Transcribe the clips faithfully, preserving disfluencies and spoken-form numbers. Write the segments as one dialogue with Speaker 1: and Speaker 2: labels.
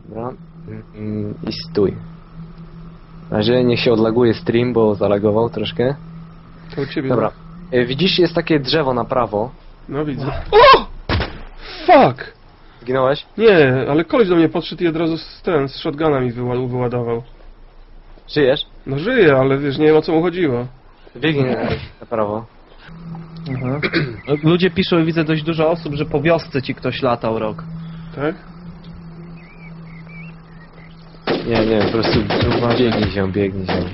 Speaker 1: Dobra. Mm, I stój. Na razie niech się odlaguje stream, bo zalagował troszkę.
Speaker 2: To u ciebie.
Speaker 1: Dobra. E, Widzisz, jest takie drzewo na prawo.
Speaker 2: No widzę. O! Fuck!
Speaker 1: Zginąłeś?
Speaker 2: Nie, ale koleś do mnie podszedł i od razu z ten, z shotguna mi wyła- wyładował.
Speaker 1: Żyjesz?
Speaker 2: No żyje, ale wiesz, nie wiem o co mu chodziło.
Speaker 1: Biegnij na prawo.
Speaker 3: Mhm. Ludzie piszą i widzę dość dużo osób, że po wiosce ci ktoś latał rok.
Speaker 2: Tak?
Speaker 1: Nie, nie, po prostu biegnij się, biegnij się.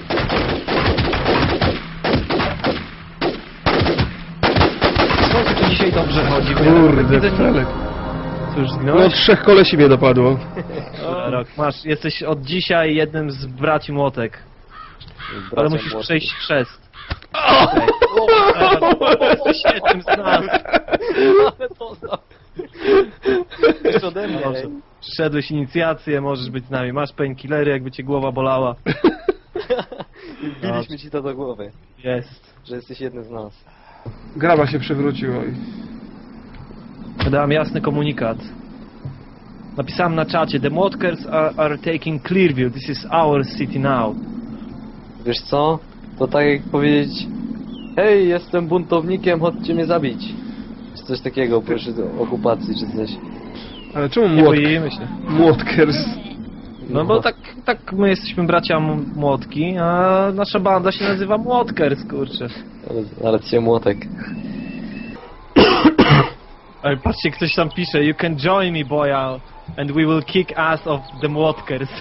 Speaker 3: Skąd tu dzisiaj dobrze chodzi?
Speaker 2: Kurde,
Speaker 3: Widzę,
Speaker 2: Felek.
Speaker 3: Co, już
Speaker 2: No
Speaker 3: zginąłeś?
Speaker 2: trzech kolesi mnie dopadło.
Speaker 3: Dobra, Rok, masz, jesteś od dzisiaj jednym z braci młotek. Ale
Speaker 1: Bracia
Speaker 3: musisz
Speaker 1: młodsi.
Speaker 3: przejść chrzest. Okay. Jesteś jednym z nas.
Speaker 1: Ale to za... Już ode mnie.
Speaker 3: Dobrze. Przeszedłeś inicjację, możesz być z nami. Masz painkillery, jakby cię głowa bolała.
Speaker 1: Wbiliśmy ci to do głowy,
Speaker 3: Jest.
Speaker 1: że jesteś jednym z nas.
Speaker 2: Graba się przewróciła i...
Speaker 3: Dałem jasny komunikat. Napisałem na czacie: The Młotkers are, are taking Clearview. This is our city now.
Speaker 1: Wiesz co? To tak jak powiedzieć: hej, jestem buntownikiem, chodźcie mnie zabić. Czy coś takiego, proszę do okupacji, czy coś.
Speaker 2: Ale czemu
Speaker 3: Nie
Speaker 2: młot...
Speaker 3: boimy się.
Speaker 2: Młotkers?
Speaker 3: No bo tak, tak my jesteśmy bracia M- Młotki, a nasza banda się nazywa Młotkers, kurczę.
Speaker 1: Ale, ale cię młotek.
Speaker 3: Ale patrzcie, ktoś tam pisze: You can join me, boy, and we will kick ass of the Młotkers.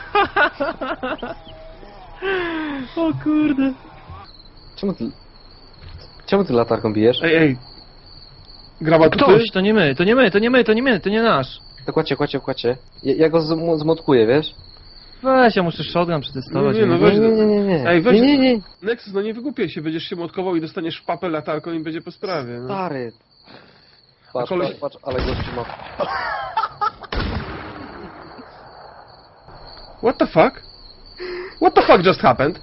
Speaker 3: O kurde.
Speaker 1: Czemu ty... Czemu ty latarką bijesz?
Speaker 2: Ej, ej. Graba, to ty?
Speaker 3: Ktoś, to nie my, to nie my, to nie my, to nie my, to nie nasz.
Speaker 1: To kładzie, kładzie, kładzie. Ja, ja go zm- zmotkuję, wiesz?
Speaker 3: Weź, ja muszę shotgun przetestować.
Speaker 2: Nie, nie, no
Speaker 1: Nie,
Speaker 2: weź...
Speaker 1: nie, nie, nie, nie.
Speaker 2: Ej, weź...
Speaker 1: Nie, nie, nie.
Speaker 2: Nexus, no nie wygłupiaj się, będziesz się młotkował i dostaniesz w papę latarką i będzie po sprawie. No.
Speaker 1: Stary. Patrz,
Speaker 2: koleś-
Speaker 1: patrz, patrz, ale gościu ma...
Speaker 2: What the fuck? What the fuck just happened?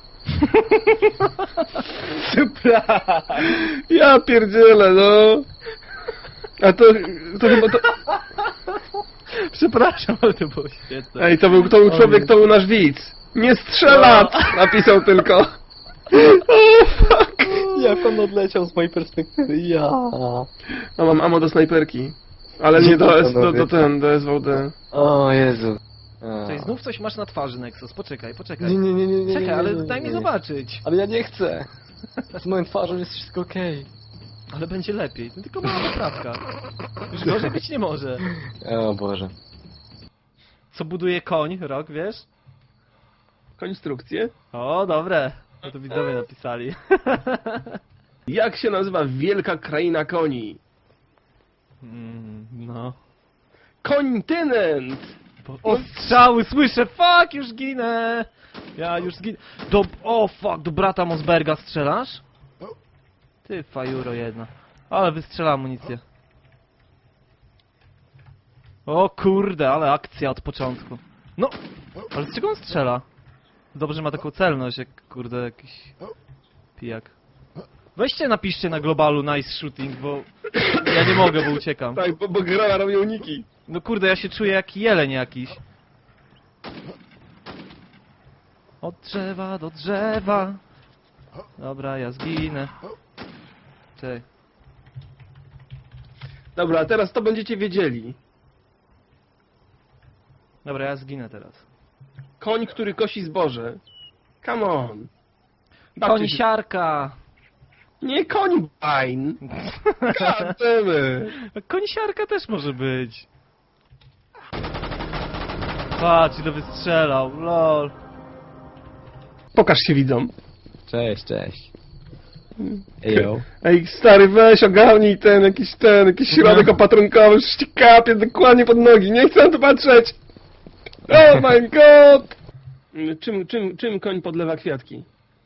Speaker 3: Surprise!
Speaker 2: Ja pierdzielę, no. A to... to chyba to...
Speaker 3: Przepraszam, ale to było świetne.
Speaker 2: Ej, to był, to był człowiek, to był nasz widz. Nie strzelać! Napisał tylko. O, fuck.
Speaker 1: Jak on odleciał z mojej perspektywy, ja.
Speaker 2: No mam ammo do snajperki. Ale nie do, S, do, do ten, do S V D.
Speaker 1: O Jezu.
Speaker 3: Tutaj znów coś masz na twarzy, Nexus. Poczekaj, poczekaj.
Speaker 1: Nie, nie, nie, nie, nie.
Speaker 3: Czekaj,
Speaker 1: nie,
Speaker 3: ale
Speaker 1: nie, nie,
Speaker 3: daj mi
Speaker 1: nie.
Speaker 3: zobaczyć.
Speaker 1: Ale ja nie chcę. Z moją twarzą jest wszystko okej.
Speaker 3: Ale będzie lepiej. To tylko mała poprawka. Już gorzej być nie może.
Speaker 1: O Boże.
Speaker 3: Co buduje koń, Rok, wiesz?
Speaker 2: Konstrukcję.
Speaker 3: O, dobre. No to widzowie napisali.
Speaker 2: Jak się nazywa wielka kraina koni?
Speaker 3: Mm, no.
Speaker 2: Kontynent!
Speaker 3: Bo- O, strzały, słyszę! Fuck, już ginę! Ja już zginę. Do... O, fuck, do brata Mosberga strzelasz? Ty, fajuro jedna. Ale wystrzela amunicję. O kurde, ale akcja od początku. No! Ale z czego on strzela? Dobrze, że ma taką celność, jak kurde jakiś pijak. Weźcie, napiszcie na globalu nice shooting, bo ja nie mogę, bo uciekam.
Speaker 2: Tak, bo, bo grała robi uniki.
Speaker 3: No kurde, ja się czuję jak jeleń jakiś. Od drzewa do drzewa. Dobra, ja zginę. Czekaj.
Speaker 2: Dobra, a teraz to będziecie wiedzieli.
Speaker 3: Dobra, ja zginę teraz.
Speaker 2: Koń, który kosi zboże. Come on. Bawcie się.
Speaker 3: Konisiarka!
Speaker 2: Nie końbań. Gademy.
Speaker 3: Konisiarka też może być. Patrz, ile wystrzelał, lol.
Speaker 2: Pokaż się widzom.
Speaker 1: Cześć, cześć. Ejo.
Speaker 2: Ej, stary, weź, ogarnij ten, jakiś ten, jakiś środek opatrunkowy, już ci kapie dokładnie pod nogi, nie chcę na to patrzeć! Oh my god! Czym, czym, czym koń podlewa kwiatki?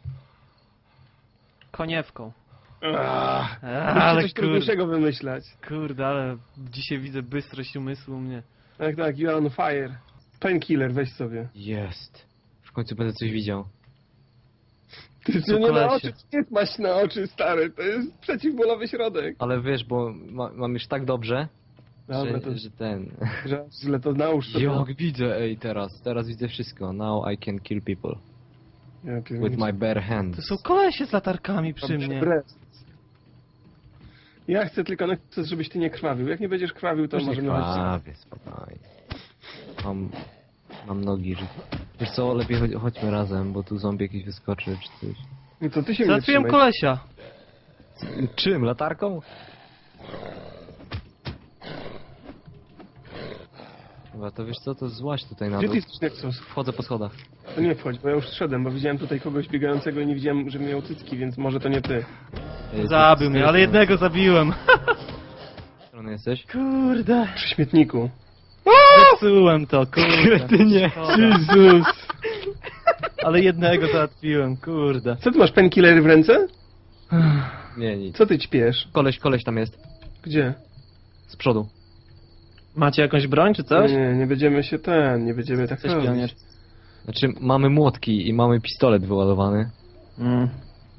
Speaker 3: Koniewką.
Speaker 2: Ach,
Speaker 3: Ale
Speaker 2: musicie coś
Speaker 3: kurde,
Speaker 2: trudniejszego wymyślać.
Speaker 3: kurde, ale dzisiaj widzę bystrość umysłu u mnie.
Speaker 2: Tak, tak, you are on fire. Painkiller, weź sobie.
Speaker 1: Jest. W końcu będę coś widział.
Speaker 2: Ty
Speaker 3: Co,
Speaker 2: nie na
Speaker 3: kolesie?
Speaker 2: oczy, nie masz na oczy, stary, to jest przeciwbólowy środek.
Speaker 1: Ale wiesz, bo ma, mam już tak dobrze,
Speaker 2: Dobra,
Speaker 1: że,
Speaker 2: to
Speaker 1: że ten...
Speaker 2: że źle to nałóż to.
Speaker 1: Jak widzę, ej, teraz, teraz widzę wszystko. Now I can kill people.
Speaker 2: Ja
Speaker 1: With
Speaker 2: pierniczę.
Speaker 1: my bare hands.
Speaker 3: To są kolesie z latarkami przy
Speaker 2: Dobrze,
Speaker 3: mnie.
Speaker 2: brez. Ja chcę tylko, chcę, żebyś ty nie krwawił. Jak nie będziesz krwawił, to
Speaker 1: Już nie
Speaker 2: możemy chodzić.
Speaker 1: krwawię, spokojnie. Mam... Mam nogi, że... Wiesz co, lepiej chodź, chodźmy razem, bo tu zombie jakiś wyskoczy, czy coś.
Speaker 2: No to ty się nie
Speaker 3: Załatwiłem
Speaker 2: trzymaj.
Speaker 3: kolesia.
Speaker 1: Czym? Latarką? Dobra, to wiesz co, to złaź tutaj na
Speaker 2: Gdzie
Speaker 1: dół.
Speaker 2: ty jesteś, Nexus?
Speaker 1: Wchodzę po schodach.
Speaker 2: To nie wchodź, bo ja już szedłem, bo widziałem tutaj kogoś biegającego i nie widziałem, że miał cycki, więc może to nie ty.
Speaker 1: Ej,
Speaker 3: Zabił
Speaker 1: z
Speaker 3: mnie,
Speaker 1: której
Speaker 3: ale jednego zabiłem.
Speaker 1: strony jesteś?
Speaker 3: Kurde.
Speaker 2: Przy śmietniku.
Speaker 3: Zepsułem to, kurde.
Speaker 1: Ty nie.
Speaker 3: Jezus. Ale jednego załatwiłem, kurde.
Speaker 2: Co ty masz, painkillery w ręce?
Speaker 1: Nie, nic.
Speaker 2: Co ty ćpiesz?
Speaker 1: Koleś, koleś tam jest.
Speaker 2: Gdzie?
Speaker 1: Z przodu.
Speaker 3: Macie jakąś broń czy coś?
Speaker 2: Nie, nie będziemy się ten, nie będziemy tak
Speaker 3: Coś
Speaker 2: robić.
Speaker 3: pionier.
Speaker 1: Znaczy, mamy młotki i mamy pistolet wyładowany.
Speaker 3: Mm.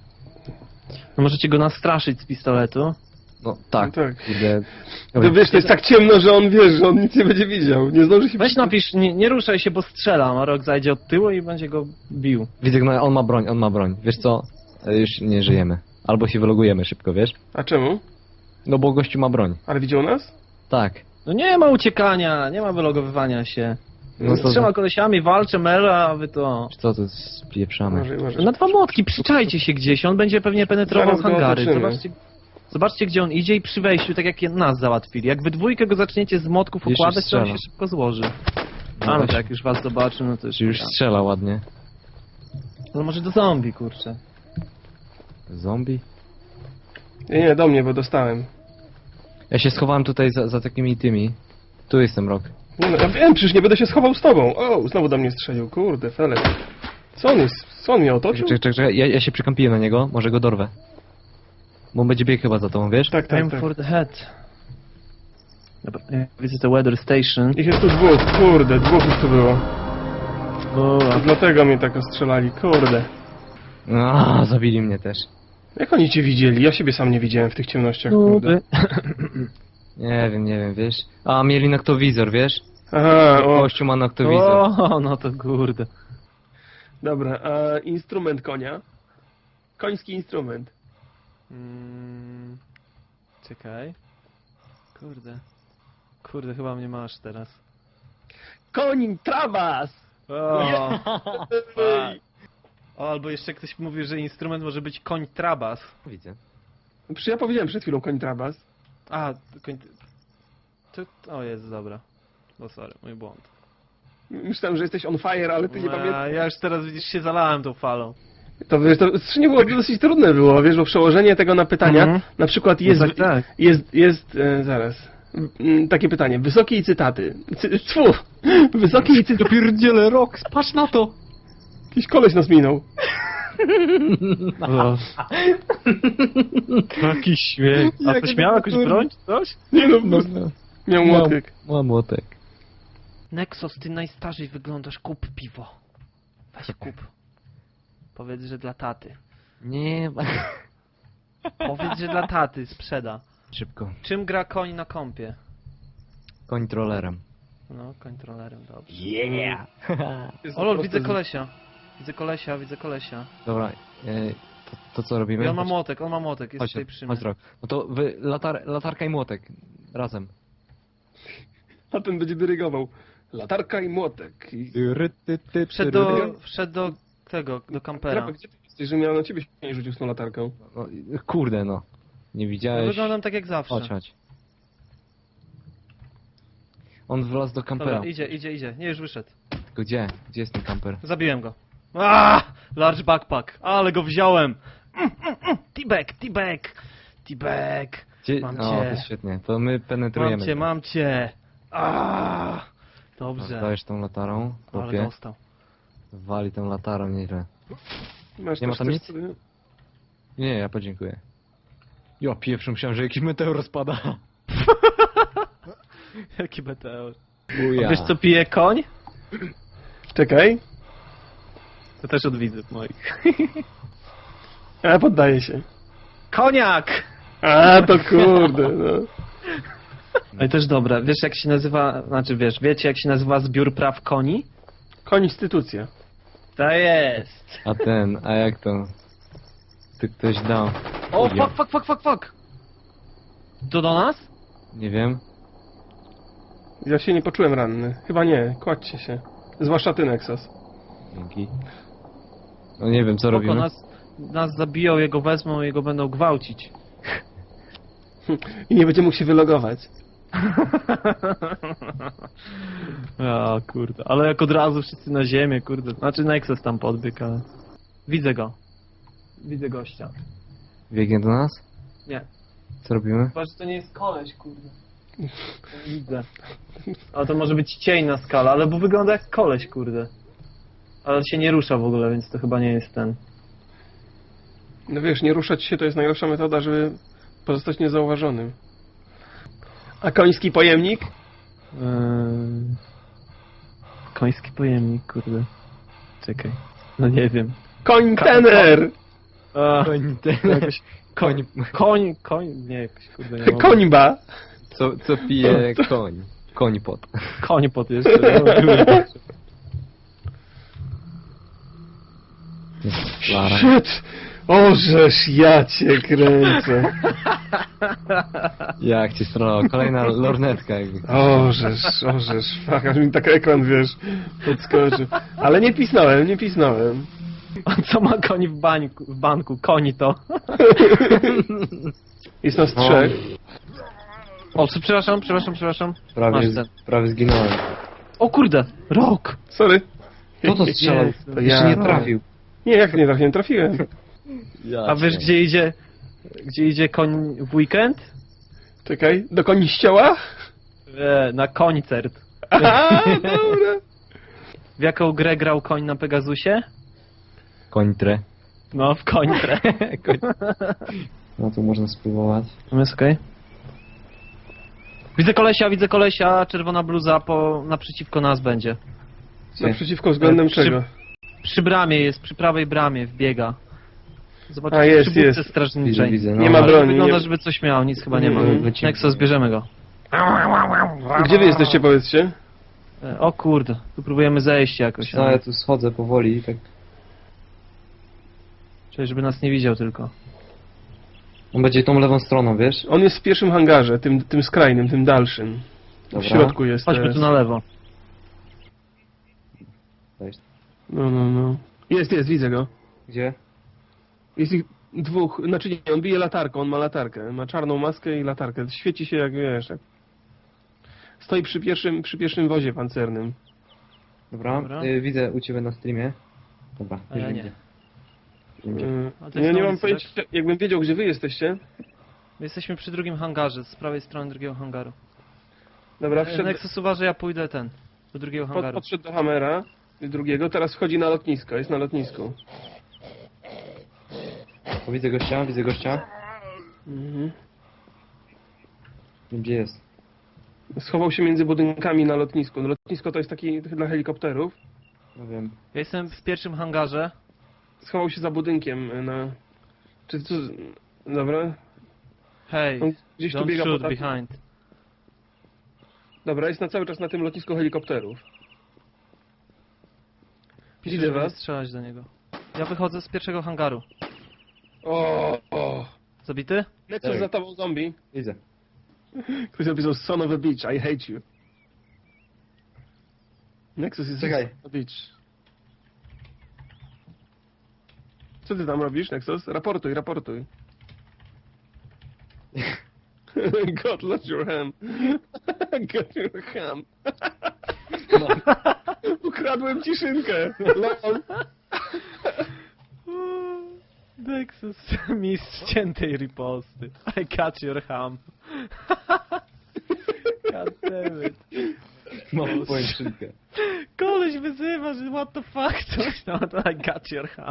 Speaker 3: No możecie go nastraszyć z pistoletu.
Speaker 1: No tak,
Speaker 2: No tak.
Speaker 1: kurde.
Speaker 2: No wiesz, to jest tak ciemno, że on wiesz, że on nic nie będzie widział. Nie zdąży się...
Speaker 3: Weź napisz, nie, nie ruszaj się, bo strzelam, a Rok zajdzie od tyłu i będzie go bił.
Speaker 1: Widzę, no, on ma broń, on ma broń. Wiesz co? E, Już nie żyjemy. Albo się wylogujemy szybko, wiesz?
Speaker 2: A czemu?
Speaker 1: No bo gościu ma broń.
Speaker 2: Ale widział nas?
Speaker 1: Tak.
Speaker 3: No nie ma uciekania, nie ma wylogowywania się.
Speaker 1: No
Speaker 3: Z
Speaker 1: to-
Speaker 3: trzema kolesiami walczę, mera, a wy to...
Speaker 1: Czy co, to spieprzamy.
Speaker 2: Może, może.
Speaker 3: Na dwa młotki, przyczajcie się gdzieś, on będzie pewnie penetrował
Speaker 2: Zaraz go
Speaker 3: hangary.
Speaker 2: otoczymy.
Speaker 3: Zobaczcie, zobaczcie, gdzie on idzie i przy wejściu, tak jak nas załatwili. Jak wy dwójkę go zaczniecie z młotków
Speaker 1: Jeszcze
Speaker 3: układać, to on
Speaker 1: strzela.
Speaker 3: się szybko złoży.
Speaker 1: No
Speaker 3: A no
Speaker 1: weź.
Speaker 3: tak, już was zobaczy, no to już...
Speaker 1: Czy już strzela ładnie.
Speaker 3: No może do zombie, kurczę.
Speaker 1: Zombie?
Speaker 2: Nie, nie, do mnie, bo dostałem.
Speaker 1: Ja się schowałem tutaj za, za takimi tymi. Tu jestem, Rok.
Speaker 2: Nie no, ja wiem, przecież nie będę się schował z tobą. O, znowu do mnie strzelił, kurde, Felek. Co on jest? Co on mnie otoczył?
Speaker 1: Czekaj, czekaj, czekaj. Ja, ja się przykampiłem na niego, może go dorwę. Bo on będzie biegł chyba za tobą, wiesz?
Speaker 2: Tak, tak,
Speaker 3: Aim
Speaker 2: tak.
Speaker 3: for the head. Dobra, ja widzę to weather station.
Speaker 2: Ich jest tu dwóch, kurde, dwóch już tu było.
Speaker 3: O,
Speaker 2: To dlatego mnie tak ostrzelali, kurde.
Speaker 1: A, zabili mnie też.
Speaker 2: Jak oni cię widzieli? Ja siebie sam nie widziałem w tych ciemnościach, kurde.
Speaker 1: Nie wiem, nie wiem, wiesz? A, mieli noktowizor, wiesz?
Speaker 2: Aha, o,
Speaker 1: Kościół ma noktowizor.
Speaker 3: O, no to kurde.
Speaker 2: dobra, a instrument konia? Koński instrument.
Speaker 3: Mm, czekaj. Kurde. Kurde, chyba mnie masz teraz.
Speaker 2: Koń Trabas!
Speaker 3: O,
Speaker 2: Ej.
Speaker 3: o, albo jeszcze ktoś mówi, że instrument może być koń trabas.
Speaker 1: Widzę.
Speaker 2: Przecież ja powiedziałem przed chwilą koń Trabas.
Speaker 3: A, koń... To, o, jest, dobra. No sorry, mój błąd.
Speaker 2: Myślałem, że jesteś on fire, ale ty nie
Speaker 3: A,
Speaker 2: pamiętasz.
Speaker 3: ja już teraz, widzisz, się zalałem tą falą.
Speaker 2: To wiesz, to nie było dosyć trudne było, wiesz, bo przełożenie tego na pytania,
Speaker 3: Mhm.
Speaker 2: na przykład jest,
Speaker 3: No tak, tak.
Speaker 2: jest, jest, e, zaraz, Mm, takie pytanie, wysokie i cytaty. Cy, tfu, wysokie i cytaty.
Speaker 1: Pierdziele, Rok, patrz na to!
Speaker 2: Jakiś koleś nas minął.
Speaker 3: O. Jaki śmiech. A
Speaker 1: Jak
Speaker 3: ktoś
Speaker 1: to
Speaker 3: miał jakąś
Speaker 1: kurde.
Speaker 3: broń czy coś?
Speaker 2: Nie no,
Speaker 1: No,
Speaker 2: no, miał młotek.
Speaker 1: Mam młotek.
Speaker 3: Nexus, ty najstarzej wyglądasz, kup piwo. Weź kup. Powiedz, że dla taty.
Speaker 1: Nie,
Speaker 3: Powiedz, że dla taty sprzeda.
Speaker 1: szybko.
Speaker 3: Czym gra koń na kompie?
Speaker 1: Kontrolerem.
Speaker 3: No, kontrolerem, dobrze.
Speaker 1: Yeah!
Speaker 2: Jest
Speaker 3: O lol,
Speaker 2: po
Speaker 3: widzę
Speaker 2: prostu-
Speaker 3: kolesia. Widzę kolesia, widzę kolesia.
Speaker 1: Dobra, e, to, to co robimy?
Speaker 3: I on ma
Speaker 1: Chodź-
Speaker 3: młotek, on ma młotek, jest
Speaker 1: Chodź,
Speaker 3: tutaj przy mnie.
Speaker 1: chodź, Rok. No to wy, latar, latarka i młotek. Razem.
Speaker 2: A ten będzie dyrygował. Latarka i młotek. I...
Speaker 3: Wszedł do, wszedł do tego, do kampera.
Speaker 2: Trapa, gdzie ty jesteś, że miał na ciebie się nie rzucił z tą latarką?
Speaker 1: No, kurde no. Nie
Speaker 3: No,
Speaker 1: widziałeś.
Speaker 3: wyglądam tak jak zawsze.
Speaker 1: Chodź, chodź. On wlazł do kampera.
Speaker 3: Dobra, idzie, idzie, idzie. Nie, już wyszedł.
Speaker 1: Tylko gdzie? Gdzie jest ten kamper?
Speaker 3: Zabiłem go. Ah, large backpack, ale go wziąłem. Mm, mm, mm. T-bag, T-bag, T-bag.
Speaker 1: Gdzie?
Speaker 3: Mam
Speaker 1: O,
Speaker 3: cię.
Speaker 1: to jest świetnie. To my penetrujemy.
Speaker 3: Mam cię,
Speaker 1: to.
Speaker 3: mam cię. Ah, dobrze.
Speaker 1: Dajesz tą latarą,
Speaker 3: Ale
Speaker 1: chłopie.
Speaker 3: dostał.
Speaker 1: Wali tą latarą nieźle.
Speaker 2: Masz
Speaker 1: Nie ma
Speaker 2: też
Speaker 1: tam
Speaker 2: coś,
Speaker 1: nic?
Speaker 2: co-
Speaker 1: Nie, ja podziękuję. Ja pierwszy myślałem, że jakiś meteor spada.
Speaker 3: Jaki meteor.
Speaker 1: Buja.
Speaker 3: Wiesz co pije koń?
Speaker 2: Czekaj.
Speaker 3: To też od widzów moich.
Speaker 2: A, poddaję się.
Speaker 3: Koniak!
Speaker 2: A, to kurde, no.
Speaker 3: No i też dobre. Wiesz jak się nazywa, znaczy wiesz, wiecie jak się nazywa zbiór praw koni?
Speaker 2: Konstytucja.
Speaker 3: To jest.
Speaker 1: A ten, a jak to? Ty ktoś dał.
Speaker 3: O,
Speaker 1: Ujo.
Speaker 3: fuck, fuck, fuck, fuck, fuck. To do nas?
Speaker 1: Nie wiem.
Speaker 2: Ja się nie poczułem ranny. Chyba nie, kładźcie się. Zwłaszcza ty, Nexus.
Speaker 1: Dzięki. No nie wiem, co
Speaker 3: Spoko,
Speaker 1: robimy.
Speaker 3: nas, nas zabiją, jego wezmą i jego będą gwałcić.
Speaker 2: I nie będzie mógł się wylogować.
Speaker 3: A kurde, ale jak od razu wszyscy na ziemię, kurde. Znaczy Nexus tam podbiegł, ale... Widzę go. Widzę gościa.
Speaker 1: Biegnie do nas?
Speaker 3: Nie.
Speaker 1: Co robimy?
Speaker 3: Chyba, że to nie jest koleś, kurde. Nie widzę. Ale to może być cień na skale, ale bo wygląda jak koleś, kurde. Ale się nie rusza w ogóle, więc to chyba nie jest ten.
Speaker 2: No wiesz, nie ruszać się to jest najlepsza metoda, żeby pozostać niezauważonym. A koński pojemnik?
Speaker 3: Eee... Koński pojemnik, kurde. Czekaj. No nie wiem.
Speaker 2: Kontener!
Speaker 3: A,
Speaker 1: Koń, ten,
Speaker 3: jakoś...
Speaker 1: koń,
Speaker 3: Koń, koń, nie, jakoś kurde nie mogę.
Speaker 2: Końba!
Speaker 1: co, co pije koń. Koń pot.
Speaker 3: Koń pot jeszcze. No, kurde.
Speaker 1: Lara.
Speaker 2: Shit! Ożeż ja cię kręcę.
Speaker 1: Jak ci strono, kolejna lornetka jakby.
Speaker 2: Ożeż, ożeż. Fuck, aż mi tak ekran, wiesz, podskoczył. Ale nie pisnąłem, nie pisnąłem.
Speaker 3: A co ma koń w, bańku, w banku? Koni to.
Speaker 2: Jest nas trzech.
Speaker 3: O, co, przepraszam, przepraszam, przepraszam.
Speaker 1: Prawie,
Speaker 3: Masz ten.
Speaker 1: prawie zginąłem.
Speaker 3: O kurde, rok!
Speaker 2: Sorry.
Speaker 1: Kto to strzelał?
Speaker 3: Jezu.
Speaker 2: To
Speaker 1: Jeszcze
Speaker 2: ja.
Speaker 1: nie trafił.
Speaker 2: Nie, jak nie trafiłem, trafiłem.
Speaker 3: A wiesz gdzie idzie, gdzie idzie koń w weekend?
Speaker 2: Czekaj, do koni ścioła?
Speaker 3: E, na koncert.
Speaker 2: Aha, dobra.
Speaker 3: W jaką grę grał koń na Pegasusie?
Speaker 1: Końtrę.
Speaker 3: No, w końtrę.
Speaker 1: No to można spróbować.
Speaker 3: No jest okej. Widzę kolesia, widzę kolesia, czerwona bluza po, naprzeciwko nas będzie.
Speaker 2: Naprzeciwko względem
Speaker 3: Przy-
Speaker 2: czego?
Speaker 3: Przy bramie jest, przy prawej bramie wbiega. Zobaczcie,
Speaker 2: A, jest,
Speaker 3: przy budce
Speaker 2: jest.
Speaker 1: Widzę,
Speaker 3: strażniczej.
Speaker 1: widzę. No,
Speaker 2: Nie ma
Speaker 3: Ale
Speaker 2: broni,
Speaker 3: wygląda,
Speaker 2: nie-
Speaker 3: żeby coś miał, nic chyba nie ma.
Speaker 2: Mhm.
Speaker 3: Nexus, bierzemy go.
Speaker 2: Gdzie wy jesteście, powiedzcie?
Speaker 3: E, O kurde, tu próbujemy zejść jakoś.
Speaker 1: No ja
Speaker 3: ale-
Speaker 1: tu schodzę powoli i tak.
Speaker 3: Czyli żeby nas nie widział tylko.
Speaker 1: On będzie tą lewą stroną, wiesz?
Speaker 2: On jest w pierwszym hangarze, tym, tym skrajnym, tym dalszym. W
Speaker 1: Dobra.
Speaker 2: środku jest.
Speaker 3: Chodźmy
Speaker 2: teraz.
Speaker 3: tu na lewo.
Speaker 1: Weź.
Speaker 2: No, no, no. Jest, jest, widzę go.
Speaker 1: Gdzie?
Speaker 2: Jest ich dwóch, znaczy nie, on bije latarką, on ma latarkę. Ma czarną maskę i latarkę. Świeci się jak, wiesz, jak... Stoi przy pierwszym, przy pierwszym wozie pancernym.
Speaker 1: Dobra,
Speaker 3: Dobra.
Speaker 1: Y, widzę u ciebie na streamie. Dobra,
Speaker 3: A
Speaker 1: już
Speaker 3: ja
Speaker 1: wiem
Speaker 3: nie.
Speaker 1: gdzie. Wiem gdzie.
Speaker 2: Yy,
Speaker 3: A to
Speaker 2: ja
Speaker 3: jest
Speaker 2: nie
Speaker 3: na
Speaker 2: mam
Speaker 3: ulicy,
Speaker 2: pojęcia, jakbym wiedział, gdzie wy jesteście.
Speaker 3: My jesteśmy przy drugim hangarze, z prawej strony drugiego hangaru.
Speaker 2: Dobra,
Speaker 3: E,
Speaker 2: wszedł,
Speaker 3: Nexus uważa, ja pójdę ten, do drugiego
Speaker 2: pod,
Speaker 3: hangaru.
Speaker 2: podszedł do Hammera drugiego, teraz wchodzi na lotnisko, jest na lotnisku.
Speaker 1: O, widzę gościa, widzę gościa.
Speaker 2: Mhm.
Speaker 1: Wiem gdzie jest.
Speaker 2: Schował się między budynkami na lotnisku. No, lotnisko to jest taki dla helikopterów.
Speaker 1: No wiem.
Speaker 3: Ja jestem w pierwszym hangarze.
Speaker 2: Schował się za budynkiem na... Czy co... Dobra.
Speaker 3: Hey,
Speaker 2: On gdzieś tu
Speaker 3: don't
Speaker 2: biega
Speaker 3: shoot
Speaker 2: po...
Speaker 3: behind.
Speaker 2: Dobra, jest na cały czas na tym lotnisku helikopterów.
Speaker 3: Pisze,
Speaker 2: Widzę
Speaker 3: żeby nie
Speaker 2: was.
Speaker 3: strzelać do niego. Ja wychodzę z pierwszego hangaru.
Speaker 2: O, o.
Speaker 3: Zabity?
Speaker 2: Nexus
Speaker 1: Tak.
Speaker 2: za tobą zombie.
Speaker 1: Widzę.
Speaker 2: Ktoś napisał son of a bitch, I hate you. Nexus jest
Speaker 1: Czekaj.
Speaker 2: son of a bitch. Co ty tam robisz, Nexus? Raportuj, raportuj. God lost your ham. Got your ham.
Speaker 1: No.
Speaker 2: Ukradłem ci szynkę. Lol.
Speaker 3: Nexus, mistrz ciętej riposty. I got your ham. God damn it.
Speaker 1: Mam twoją szynkę.
Speaker 3: Koleś wyzywa, że what the fuck, coś no to I got your ham.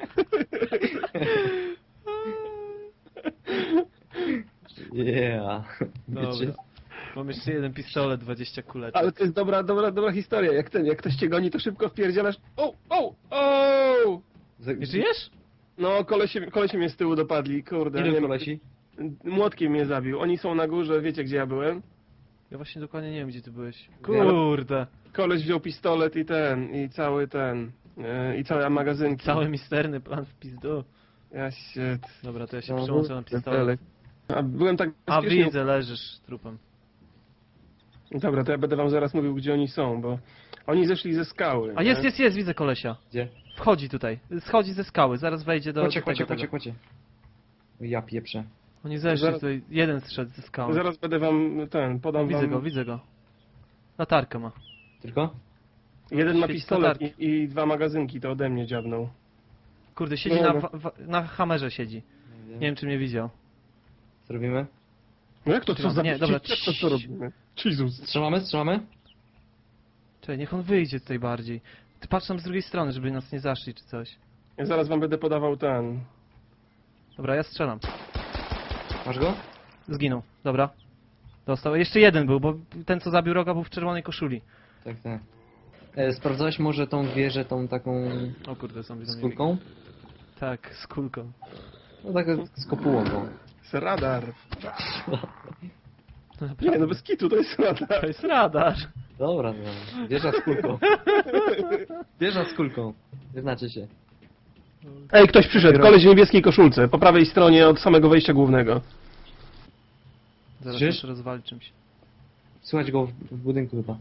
Speaker 1: Yeah.
Speaker 3: Dobra.
Speaker 1: Wiecie?
Speaker 3: Mam jeszcze jeden pistolet, dwadzieścia kuleczek.
Speaker 2: Ale to jest dobra, dobra, dobra historia. Jak ten, jak ktoś cię goni, to szybko wpierdzielasz. O, o, o!
Speaker 1: Za-
Speaker 3: Nie żyjesz?
Speaker 2: No, kolesie, kolesie mnie z tyłu dopadli, kurde.
Speaker 1: Ilu
Speaker 2: nie-
Speaker 1: kolesi?
Speaker 2: Młotkiem mnie zabił. Oni są na górze, wiecie gdzie ja byłem?
Speaker 3: Ja właśnie dokładnie nie wiem, gdzie ty byłeś. Kurde.
Speaker 2: Koleś wziął pistolet i ten, i cały ten, e, i całe magazynki.
Speaker 3: Cały misterny plan w pizdu.
Speaker 2: Ja się...
Speaker 3: Dobra, to ja się
Speaker 1: No,
Speaker 3: przyłączę na pistolet.
Speaker 2: A byłem tak
Speaker 3: A
Speaker 2: bezpiecznie...
Speaker 3: widzę, leżysz trupem.
Speaker 2: Dobra, to ja będę wam zaraz mówił, gdzie oni są, bo oni zeszli ze skały.
Speaker 3: A
Speaker 2: nie?
Speaker 3: jest, jest, jest, widzę kolesia.
Speaker 1: Gdzie?
Speaker 3: Wchodzi tutaj. Schodzi ze skały, zaraz wejdzie do,
Speaker 1: Kocie,
Speaker 3: do
Speaker 1: kocie,
Speaker 3: tego,
Speaker 1: kocie,
Speaker 3: tego.
Speaker 1: kocie. Ja pieprzę.
Speaker 3: Oni zeszli
Speaker 2: Zaraz-
Speaker 3: tutaj, jeden zszedł ze skały.
Speaker 2: Zaraz będę wam ten, podam
Speaker 3: Widzę
Speaker 2: wam...
Speaker 3: go, widzę go. Latarkę ma.
Speaker 1: Tylko?
Speaker 2: Jeden ma
Speaker 3: Świeci
Speaker 2: pistolet
Speaker 3: latarki.
Speaker 2: i, i dwa magazynki, to ode mnie dziabnął.
Speaker 3: Kurde, siedzi
Speaker 2: No,
Speaker 3: na,
Speaker 2: no.
Speaker 3: wa- wa- na hamerze siedzi. Nie wiem, czy mnie widział.
Speaker 1: Co robimy?
Speaker 2: No jak to, co za...
Speaker 3: Nie, dobra,
Speaker 2: Jak to, co robimy? Jezus.
Speaker 1: Strzelamy, strzelamy?
Speaker 3: Czekaj, niech on wyjdzie tutaj bardziej. Ty patrz tam z drugiej strony, żeby nas nie zaszli czy coś.
Speaker 2: Ja zaraz wam będę podawał ten...
Speaker 3: Dobra, ja strzelam.
Speaker 1: Masz go?
Speaker 3: Zginął, dobra. Dostał. Jeszcze jeden był, bo ten co zabił Roga był w czerwonej koszuli.
Speaker 1: Tak, tak. E, sprawdzałeś może tą wieżę, tą taką
Speaker 3: O kurde, zombie do
Speaker 1: z
Speaker 3: mnie
Speaker 1: kulką?
Speaker 3: biegnie. Tak, z kulką.
Speaker 1: No tak z kopułą tą.
Speaker 2: Z radar.
Speaker 3: No,
Speaker 2: Nie,
Speaker 3: naprawdę.
Speaker 2: no bez kitu, to jest radar.
Speaker 3: To jest radar.
Speaker 1: Dobra, no. Wieża z kulką. Wieża z kulką. Wyznaczy się.
Speaker 2: Ej, ktoś przyszedł, koleś w niebieskiej koszulce, po prawej stronie od samego wejścia głównego.
Speaker 3: Zaraz
Speaker 1: Słyszysz?
Speaker 3: muszę rozwalić czymś.
Speaker 1: Słychać go w, w budynku chyba.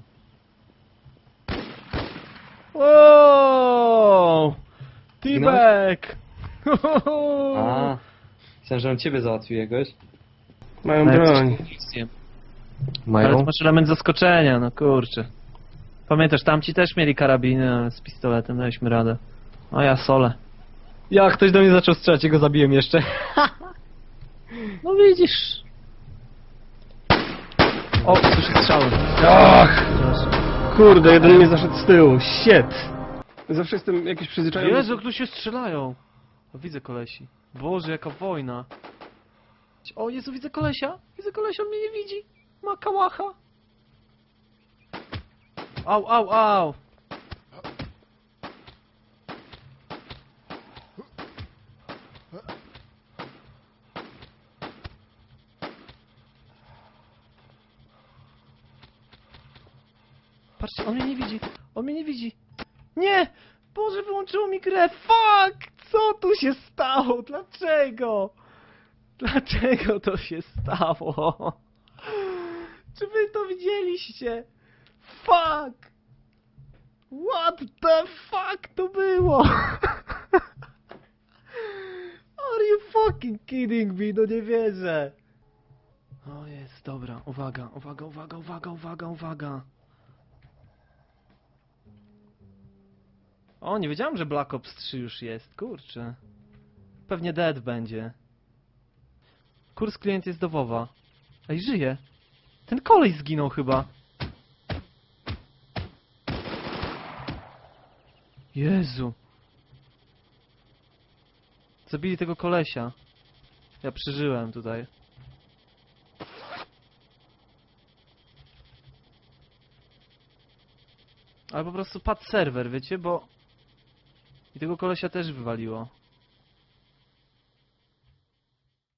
Speaker 3: Wow! T-Bag!
Speaker 1: A, myślałem, że on ciebie załatwił jakoś.
Speaker 2: Mają
Speaker 3: Ale
Speaker 2: broń.
Speaker 3: Ale to masz element zaskoczenia, no kurczę. Pamiętasz, tamci też mieli karabiny, ale z pistoletem daliśmy radę. O ja solę.
Speaker 1: Ja, ktoś do mnie zaczął strzelać i go zabiłem jeszcze.
Speaker 3: No widzisz. O, słyszę strzały.
Speaker 2: Ach! Kurde, jeden mnie zaszedł z tyłu. Shit! Zawsze jestem jakiś przyzwyczajony...
Speaker 3: Jezu, jak tu się strzelają. O, widzę kolesi. Boże, jaka wojna. O Jezu, widzę kolesia. Widzę kolesia, on mnie nie widzi. Ma kałacha. Au, au, au. Patrzcie, on mnie nie widzi. On mnie nie widzi. Nie! Boże, wyłączyło mi grę. Fuck! Co tu się stało? Dlaczego? Dlaczego to się stało? Czy wy to widzieliście? Fuck! What the fuck to było? Are you fucking kidding me? No nie wierzę. O jest, dobra. Uwaga, uwaga, uwaga, uwaga, uwaga, uwaga. O, nie wiedziałem, że Black Ops trzy już jest. Kurczę. Pewnie Dead będzie. Kurs klient jest do WoWa. Ej, żyje. Ten kolej zginął chyba. Jezu. Zabili tego kolesia. Ja przeżyłem tutaj. Ale po prostu padł serwer, wiecie, bo... I tego kolesia też wywaliło.